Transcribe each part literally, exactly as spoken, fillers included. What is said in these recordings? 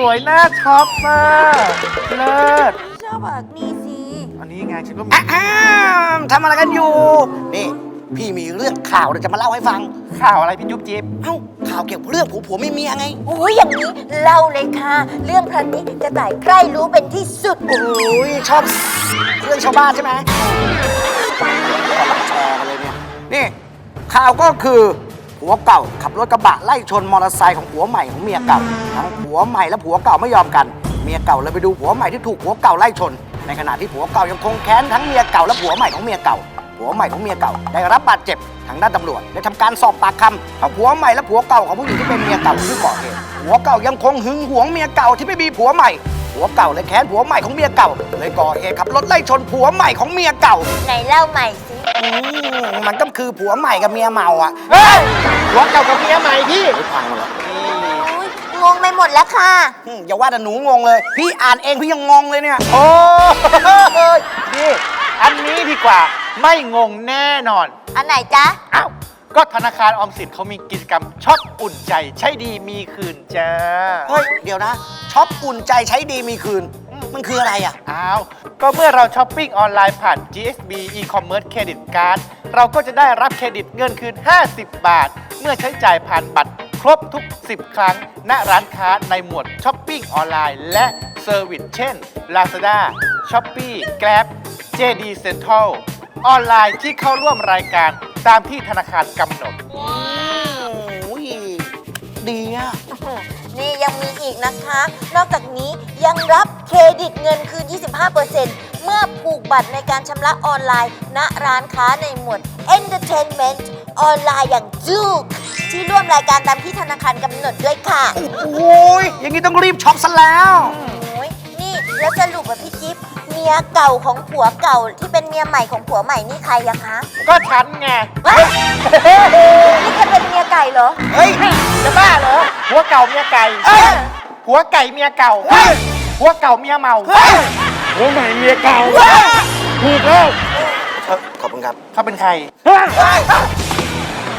วยน่าช็อปมากเลิศชอบแบบนี้สิอันนี้ไงฉันก็มีอ้าวทำอะไรกันอยู่ นี่ พี่มีเรื่องข่าวเดี๋ยวจะมาเล่าให้ฟังข่าวอะไรพี่จุ๊บจิ๊บเอ้า ข่าวเกี่ยวกับเรื่องผัวผัวไม่เมียไงโอ้ยอย่างนี้เล่าเลยค่ะ เรื่องพระนี้จะต่ายใครรู้เป็นที่สุดโอ้ยชอบเรื่องชาวบ้านใช่ไหมแชร์กันเลยเนี่ย นี่ข่าวก็คือผัวเก่าขับรถกระบะไล่ชนมอเตอร์ไซค์ของผัวใหม่ของเมียเก่า ทั้งผัวใหม่และผัวเก่าไม่ยอมกัน เมียเก่าเลยไปดูผัวใหม่ที่ถูกผัวเก่าไล่ชน ในขณะที่ผัวเก่ายังคงแค้นทั้งเมียเก่าและผัวใหม่ของเมียเก่า ผัวใหม่ของเมียเก่าได้รับบาดเจ็บทางด้านตำรวจได้ทำการสอบปากคำทั้งผัวใหม่และผัวเก่าของผู้หญิงที่เป็นเมียเก่าที่ก่อเหตุผัวเก่ายังคงหึงหวงเมียเก่าที่ไม่มีผัวใหม่ ผัวเก่าเลยแค้นผัวใหม่ของเมียเก่าเลยก่อเหตุขับรถไล่ชนผัวใหม่ของเมียเก่าไหนเล่าใหม่สิอืมมันก็คือผัวใหม่กับเมียเมาอ่ะเฮ้ยผัวเก่ากับเมียใหม่พี่ไม่ฟังหมดแล้วโอ้ยงงไปหมดแล้วค่ะอืมอย่าว่าแต่หนูงงเลย พี่อ่านเองพี่ยังงงเลยเนี่ยโอ้ยนี่อันนี้ดีกว่าไม่งงแน่นอนอันไหนจ๊ะอ้าวก็ธนาคารออมสินเขามีกิจกรรมช็อปอุ่นใจใช้ดีมีคืนจ้าเฮ้ย เดี๋ยวนะช็อปอุ่นใจใช้ดีมีคืน มันคืออะไรอ่ะอ้าว ก็เมื่อเราช้อปปิ้งออนไลน์ผ่าน จี เอส บี e-commerce credit card เราก็จะได้รับเครดิตเงินคืน ห้าสิบบาท เมื่อใช้จ่ายผ่านบัตรครบทุก สิบ ครั้ง ณ ร้านค้าในหมวดช้อปปิ้งออนไลน์และเซอร์วิสเช่น Lazada, Shopee, Grab, เจ ดี Central ออนไลน์ที่เข้าร่วมรายการตามที่ธนาคารกำหนดโอ้ยดีอ่ะนี่ยังมีอีกนะคะ นอกจากนี้ยังรับเครดิตเงินคืน ยี่สิบห้าเปอร์เซ็นต์ เมื่อผูกบัตรในการชำระออนไลน์ ณ ร้านค้าในหมวด Entertainment ออนไลน์อย่างจูกที่ร่วมรายการตามที่ธนาคารกำหนดด้วยค่ะโอ้ยอย่างนี้ต้องรีบช็อปซะแล้วโอ้ยนี่แล้วสรุปว่าพี่จิ๊บเมียเก่าของผัวเก่าที่เป็นเมียใหม่ของผัวใหม่นี่ใครอะคะก็ฉันไงเฮ้ยนี่จะเป็นเมียไก่เหรอเฮ้ยจะบ้าเหรอผัวเก่าเมียไก่เอ้ยผัวไก่เมียเก่าผัวเก่าเมียเมาผัวใหม่เมียเก่าถูกแล้วเอ้อขอบคุณครับเขาเป็นใคร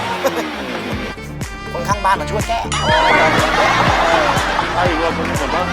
คนข้างบ้านมาช่วยแก้ไอ้ว่าคนนี้ผมว่า